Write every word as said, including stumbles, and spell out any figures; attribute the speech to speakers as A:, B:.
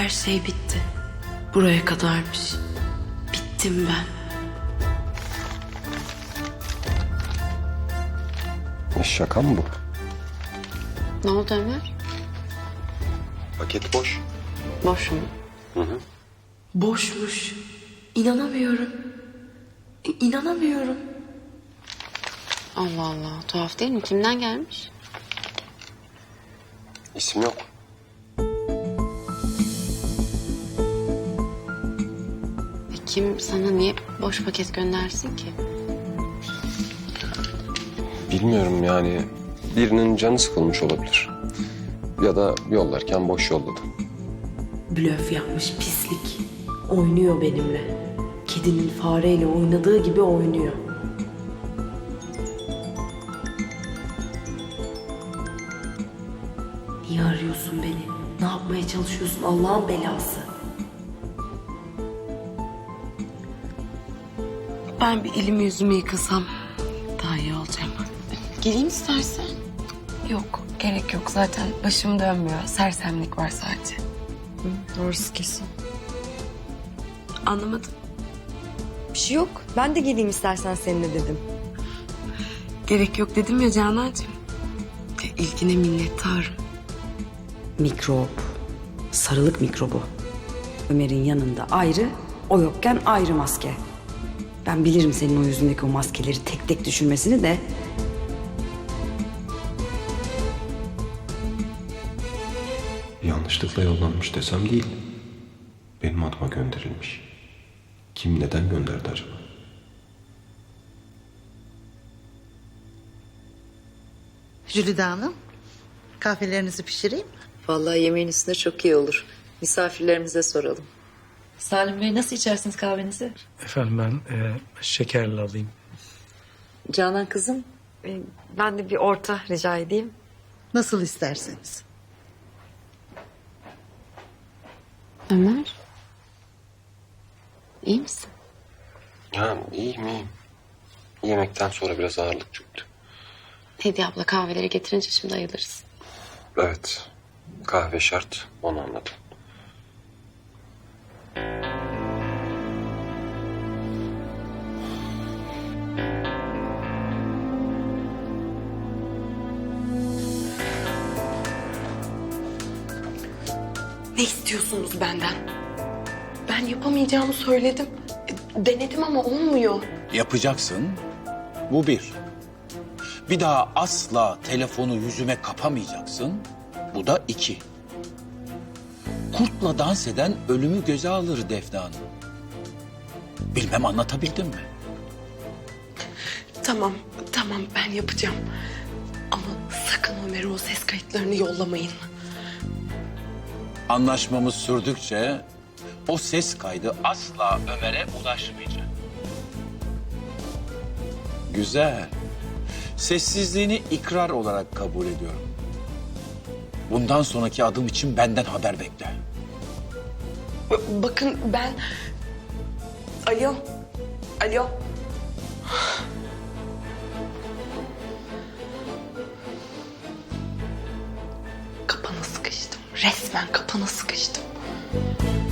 A: Her şey bitti. Buraya kadarmış. Bittim ben.
B: Ne şaka mı bu?
A: Ne oldu Ömer?
B: Paket boş.
A: Boş mu?
B: Hı hı.
A: Boşmuş. İnanamıyorum. İ- İnanamıyorum. Allah Allah. Tuhaf değil mi? Kimden gelmiş?
B: İsim yok.
A: E kim sana niye boş paket göndersin ki?
B: Bilmiyorum yani. Birinin canı sıkılmış olabilir. Ya da yollarken boş yolladı.
A: Blöf yapmış pislik. Oynuyor benimle. Kedinin fareyle oynadığı gibi oynuyor. Niye arıyorsun beni? Ne yapmaya çalışıyorsun Allah'ın belası? Ben bir elimi yüzümü yıkasam daha iyi olacağım. Geleyim istersen.
C: Yok, gerek yok. Zaten başım dönmüyor. Sersemlik var sadece.
D: Doğrusu kesin.
A: Anlamadım.
D: Bir şey yok. Ben de geleyim istersen seninle dedim.
A: Gerek yok dedim ya Canancığım. İlgine minnettarım.
D: Mikrop. Sarılık mikrobu. Ömer'in yanında ayrı, o yokken ayrı maske. Ben bilirim senin o yüzündeki o maskeleri tek tek düşürmesini de.
B: Yanlışlıkla yollanmış desem değil. Benim adıma gönderilmiş. Kim neden gönderdi acaba?
E: Jülide Hanım, kahvelerinizi pişireyim mi?
F: Vallahi yemeğin üstüne çok iyi olur. Misafirlerimize soralım.
G: Salim Bey nasıl içersiniz kahvenizi?
H: Efendim ben e, şekerli alayım.
F: Canan kızım,
D: Ee, Ben de bir orta rica edeyim.
E: Nasıl isterseniz.
A: Ömer. İyi misin?
B: Ha iyiyim iyiyim. Yemekten sonra biraz ağırlık çöktü.
A: Hediye abla kahveleri getirince şimdi ayılırız.
B: Evet. Kahve şart. Onu anladım.
A: Ne istiyorsunuz benden? Ben yapamayacağımı söyledim. E, Denedim ama olmuyor.
I: Yapacaksın. Bu bir. Bir daha asla telefonu yüzüme kapamayacaksın. Bu da iki. Kurtla dans eden ölümü göze alır Defne Hanım. Bilmem anlatabildim mi?
A: Tamam, tamam ben yapacağım. Ama sakın Ömer'e o ses kayıtlarını yollamayın.
I: Anlaşmamız sürdükçe o ses kaydı asla Ömer'e ulaşmayacak. Güzel. Sessizliğini ikrar olarak kabul ediyorum. Bundan sonraki adım için benden haber bekle.
A: B- Bakın ben... Alo, alo. Kapana sıkıştım. Resmen kapana sıkıştım.